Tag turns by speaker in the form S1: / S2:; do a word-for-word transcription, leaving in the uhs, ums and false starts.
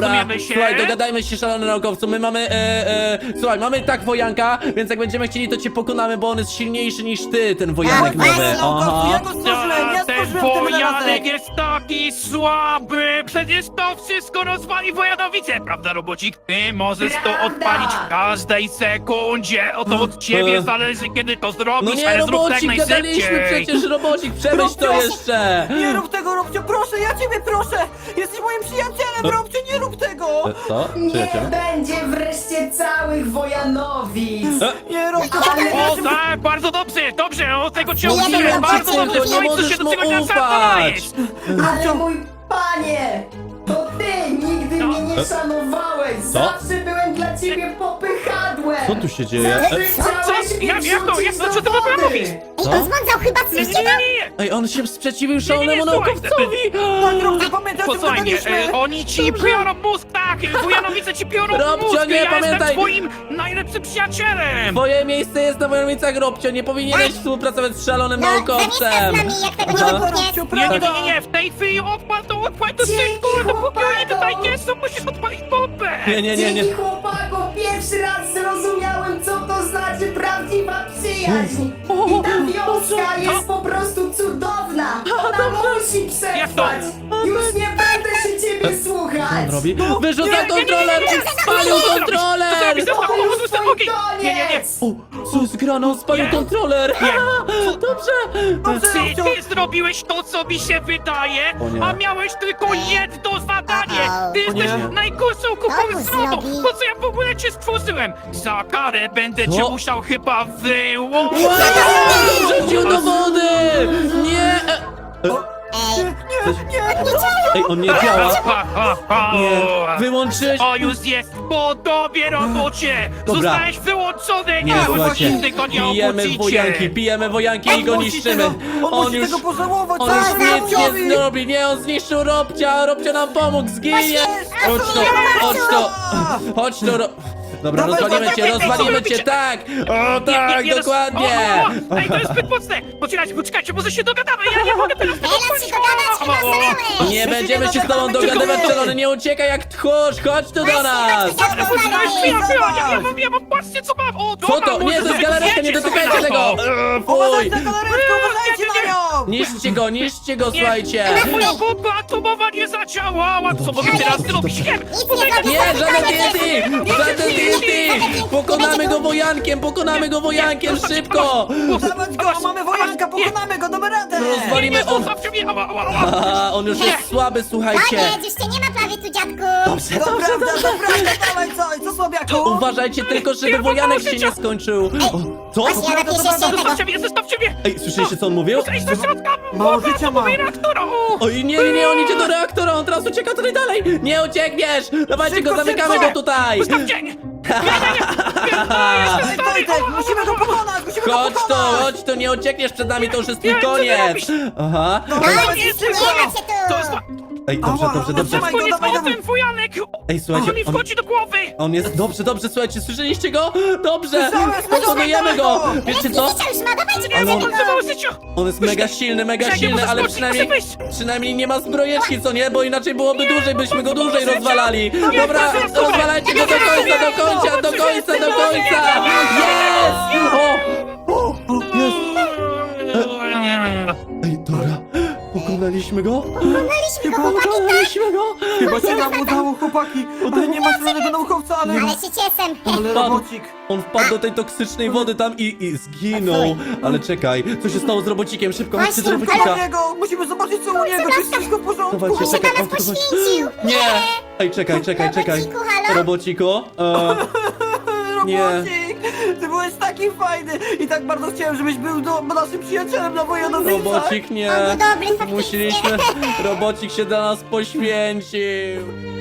S1: Rozumiemy się?
S2: Słuchaj, dogadajmy się, szalony naukowcu. My mamy, e, e, słuchaj, mamy tak wojanka, więc jak będziemy chcieli, to cię pokonamy, bo on jest silniejszy niż ty, ten wojanek
S3: właśnie.
S2: nowy.
S4: Naukowcu, ja
S2: Aha.
S4: go stworzyłem, ja
S1: Ten
S4: stworzyłem ten
S1: wojanek
S4: wynalazek.
S1: jest taki słaby! Przecież to wszystko rozwali Wojanowice, prawda, robocik? Ty możesz to
S3: Prawda.
S1: odpalić w każdej sekundzie. Oto od ciebie
S2: E.
S1: zależy, kiedy to zrobisz,
S2: No nie,
S1: ale zrób tak
S2: robocik, gadaliśmy
S1: najszybciej.
S2: przecież, robocik, przemyśl to
S4: Robcio,
S2: jeszcze.
S4: Nie rób tego, Robcio, proszę, ja ciebie proszę! Jesteś moim przyjacielem, Robcio, nie rób tego!
S2: E, Co?
S3: Nie
S2: Przyjaciel?
S3: będzie wreszcie całych Wojanowic!
S4: Nie, Robcio,
S3: Ale-
S4: ale...
S1: O tak, bardzo dobrze, dobrze, o tego cię
S3: Nie, nie,
S1: uczyłem,
S3: nie,
S1: bardzo
S3: nie,
S1: dobrze,
S2: nie
S1: w końcu
S2: możesz
S1: się do
S2: mu
S1: tego
S2: ufać.
S1: nadajesz.
S3: Ale mój panie! To ty nigdy
S1: No.
S3: mnie nie szanowałeś!
S2: Co?
S3: Zawsze byłem dla ciebie popychadłem!
S2: Co tu się dzieje?
S3: Zawsze
S2: E,
S3: chciałeś
S1: co?
S3: mnie
S1: Jak- jak to?
S3: wrzucić
S1: Jak to?
S3: do
S1: Co ty w ogóle
S3: wody.
S1: mówisz?
S2: Co?
S5: On zmądzał chyba
S1: Nie,
S5: coś
S1: nie,
S5: ciebie.
S1: nie, nie.
S2: Ej, on się sprzeciwił
S1: nie, nie,
S2: szalonemu
S1: słuchaj,
S2: naukowcowi.
S4: Tak, Robcio, pamiętaj, o tym
S1: Posłuchaj,
S4: gadaliśmy!
S1: e, oni ci biorą mózg, tak! Wojanowice ci biorą
S2: Robcio,
S1: mózg!
S2: nie,
S1: ja
S2: pamiętaj.
S1: jestem twoim najlepszym przyjacielem!
S2: Twoje miejsce jest na Wojowicach, Robcio, nie powinieneś współpracować z szalonym
S5: No, zamieszka z
S2: naukowcem.
S5: nami, jak tego nie
S2: Aha.
S5: wybuchniesz.
S4: Robcio,
S1: Nie, nie,
S4: prawda?
S1: nie, nie, nie, w tej chwili odpal to, odpal to
S3: Dzięki,
S1: szybko, dopóki oni tutaj
S3: chłopakom.
S1: nie są, musisz odpalić bombę!
S2: Nie, nie, nie, nie.
S3: Dzięki chłopakom pierwszy raz zrozumiałem, co to znaczy prawdziwa przyjaźń! I ta wioska jest po prostu cudowna! Ona musi
S1: Jak to?
S3: przetrwać! Już nie będę się ciebie słuchać!
S2: On robi?
S4: No,
S2: Wyrzuca
S4: nie,
S2: kontroler!
S1: nie, nie, nie, nie,
S2: Spalił
S1: nie, nie, nie,
S2: kontroler!
S1: To zrobisz,
S3: To
S1: to
S3: już
S1: zrobisz,
S3: twój
S1: ogień! Nie, nie, nie!
S3: koniec!
S2: O, co jest grane? On spalił
S1: Nie.
S2: kontroler!
S1: Nie.
S2: Dobrze!
S4: Dobrze,
S1: Ty,
S4: Robcio!
S1: ty zrobiłeś to, co mi się wydaje,
S2: O nie.
S1: a miałeś tylko jedno zadanie! Ty
S2: O nie.
S1: jesteś najgorszą
S5: Co
S1: kupą
S5: mu
S1: zrobią!
S5: zrobi?
S1: Po co ja w ogóle cię stworzyłem? Za karę będę cię
S2: Co?
S1: musiał chyba wyłączyć!
S2: Wow! Rzucił do wody! Nie! e,
S5: Ej,
S4: Nie, nie,
S2: Ej, on nie działa!
S1: Ha, ha, ha.
S2: Nie! Wyłączyłeś...
S1: O, już jest po tobie, robocie!
S2: Dobra.
S1: Zostałeś wyłączony!
S2: Nie,
S1: już
S2: słuchajcie,
S1: nigdy go nie
S2: pijemy
S1: obudzicie!
S2: wojanki, pijemy wojanki i go
S4: on musi
S2: niszczymy!
S4: tego, on, musi
S2: już...
S4: tego pożałować,
S2: On
S4: co
S2: już
S4: on
S2: nic nie
S4: zrobi?
S2: zrobi, nie, on zniszczył Robcia, Robcia nam pomógł, zginie! Chodź to, chodź to, chodź to, Ro... Dobra,
S4: Dawaj,
S2: rozwalimy
S4: dawaj,
S2: cię,
S4: dawaj,
S2: rozwalimy
S1: dawaj,
S2: cię, tak! O
S1: Nie,
S2: tak,
S1: nie, nie,
S2: dokładnie!
S1: O, o, o. Ej, to jest zbyt mocne! Poczekajcie, poczekajcie, może się dogadamy, ja nie mogę teraz tego
S5: ej, no się dogadać, chyba zalałeś.
S2: Nie
S4: się
S2: będziemy
S4: nie
S2: się z tobą
S4: dogadamy,
S2: dogadywać,
S4: tylko-
S2: szalony, nie uciekaj jak tchórz, chodź tu do
S5: Właśnie,
S2: nas!
S5: chodź tu,
S1: Ale poczekaj,
S5: Zobacz.
S1: chwila, chwila, ja, ja mam, ja mam, patrzcie co mam! O,
S2: Co
S1: dobra,
S2: to? Nie,
S1: może
S2: to jest
S1: sobie
S2: galaretka, nie
S1: wiecie,
S2: dotykajcie
S1: co
S2: tego!
S1: to.
S2: Eee,
S4: Uważaj
S2: Fuj!
S4: na galaretkę, uważajcie na nią!
S2: Niszczcie go, niszczcie go, słuchajcie!
S1: Moja bomba atomowa nie zadziałała! Co mogę teraz zrobić? Nie,
S5: Nic nie zrobię.
S2: Nie, żaden T N T! Żaden T N T! Pokonamy go wojankiem, pokonamy go wojankiem, szybko!
S4: Dawać go, mamy wojanka, pokonamy go, damy radę!
S2: Rozwalimy
S1: nie,
S2: on...
S1: zostawcie mnie! Ała, ała, ała.
S2: Aha, on już jest słaby, słuchajcie!
S5: Koniec, już cię nie ma prawie tu, dziadku.
S2: Dobrze,
S4: To
S2: dobrze,
S4: prawda,
S2: dobrze!
S4: to prawda, dawaj, co, co słabiaku?
S2: Uważajcie tylko, żeby
S1: Nie,
S2: wojanek się
S1: życia.
S2: nie skończył! O, co?
S5: Właśnie, ja napiszę się tego.
S1: Zostawcie mnie, zostawcie mnie!
S2: Ej, słyszeliście co on mówił?
S1: Ej, do środka!
S4: Mało
S1: Bomba
S4: życia
S1: atomowej
S4: mam.
S1: reaktora! o.
S2: Oj, nie, nie, nie, on idzie do reaktora, on teraz ucieka tutaj dalej! Nie uciekniesz! Dawajcie
S4: Szybko,
S2: go, zamykamy
S4: szybko!
S2: go tutaj!
S1: Zostawcie! Nie, nie, nie!
S4: Ej, Tojtek, musimy go pokonać, musimy go
S2: Chodź tu,
S4: pokonać!
S2: chodź tu, nie uciekniesz przed nami, to już jest twój
S1: Nie, co ty
S2: koniec!
S1: robisz?
S2: Aha.
S4: Dobra,
S5: No,
S4: dawaj,
S1: nie,
S5: nie
S4: szybko!
S5: macie tu.
S1: To jest
S2: Ej, dobrze,
S4: Ała,
S2: dobrze,
S4: ała,
S2: dobrze.
S4: trzymaj go,
S1: koniec
S4: dawaj,
S1: o
S4: dawaj.
S1: ten wojanek!
S2: Ej,
S1: On
S2: słuchajcie,
S1: mi
S2: on,
S1: wchodzi do głowy!
S2: on jest, dobrze, dobrze, słuchajcie, słyszeliście go? Dobrze,
S4: Słyszałem, słyszałem,
S2: pokonujemy go!
S4: dawaj go.
S2: Wiecie
S5: Nie
S2: co?
S5: życia już ma, dawajcie
S1: Nie,
S2: Ale
S1: bo
S2: on-
S1: on zawał życia!
S2: On jest mega silny, mega
S1: Czekaj,
S2: silny,
S1: muszę
S2: ale
S1: skoczyć,
S2: przynajmniej,
S1: muszę wyjść.
S2: przynajmniej nie ma zbrojeczki, co nie? Bo inaczej byłoby dłużej, byśmy go dłużej
S1: życia.
S2: rozwalali.
S1: Nie,
S2: Dobra,
S1: to jest dobre.
S2: rozwalajcie go do końca, do końca, do końca, do końca! Jest! O! O! Jest! Ej, dobra, pokonaliśmy go?
S5: Pokonaliśmy go, chłopaki, tak?
S2: Pokonaliśmy go!
S4: Chyba się nam udało, chłopaki! Ale nie ma żadnego naukowca, ale...
S5: Ale się cieszę.
S4: Ale robocik!
S2: On wpadł do tej toksycznej wody tam i, i zginął. Ale czekaj, co się stało z robocikiem? Szybko, chodźcie do
S5: Właśnie,
S4: Co u
S2: robocika.
S4: niego? Musimy zobaczyć co u niego, czy jest wszystko w porządku!
S2: Dawajcie,
S5: On się
S2: czekaj,
S5: dla nas
S2: auto, dawaj.
S5: poświęcił.
S2: Nie! Ej, czekaj, czekaj, czekaj.
S5: Robociku, halo?
S2: Robociku? E, Nie.
S4: Robocik! Ty byłeś taki fajny i tak bardzo chciałem, żebyś był do, naszym przyjacielem na Wojanowicach!
S2: robocik nie.
S5: On był dobry, faktycznie.
S2: Musieliśmy... Robocik się dla nas poświęcił.